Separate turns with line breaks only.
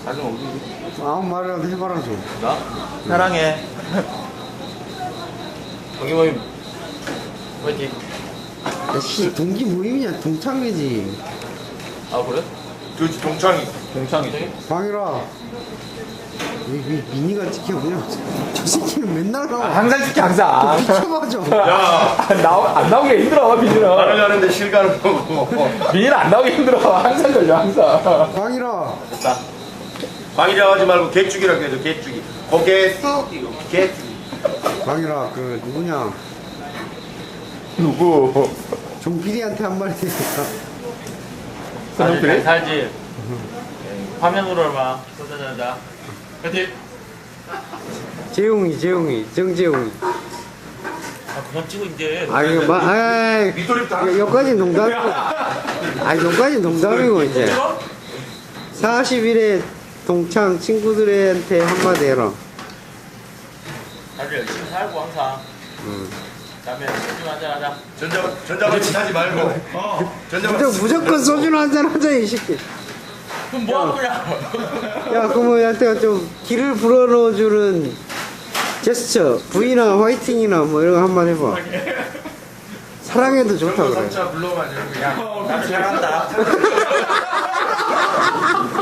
가슴 어디?
아무 말이라도 해봐라 좀.
나? 사랑해. 동기모임 화이팅.
야씨 동기 모임이냐 동창회지.
아 그래?
그렇지 동창이.
동창이지?
광일아. 왜 미니가 찍혀 그냥 저 새끼는 맨날 나와.
항상 찍혀 항상.
미쳐봐 좀.
야
안 나오기 힘들어
말을
민이는.
하는데 실감을 보고.
민이는 안 나오기 힘들어. 항상 걸려 항상.
광일아.
됐다.
방이라 하지 말고 개죽이라고 해줘 개죽이. 고개 쑥 이거 개죽이.
광일아 그 누구냐
누구?
종 PD한테 한 마디 해줬다.
사진
잘 살지. 화면으로 봐. 쏟아내자. 화이팅.
재용이 정재용이.
아, 그만 찍어 이제.
아 이거 아이
밑돌이 다.
여기까지 농담이고. 아 여기까지 농담이고 이제. 40일에 동창 친구들한테 한마디 해라.
다들 열심히 살고 항상. 다음에 소주 한잔 하자.
전자같이 하지 말고. 전자같이.
무조건 소주나 한잔 하자 이 새끼.
그럼 뭐 하는 거야?
야 그러면 한테 좀 길을 불어넣어주는 제스처 V나 화이팅이나 뭐 이런 거 한번 해봐. 사랑해도 좋다 그래.
삼자 불러만 이러면 그냥.
나도 잘한다.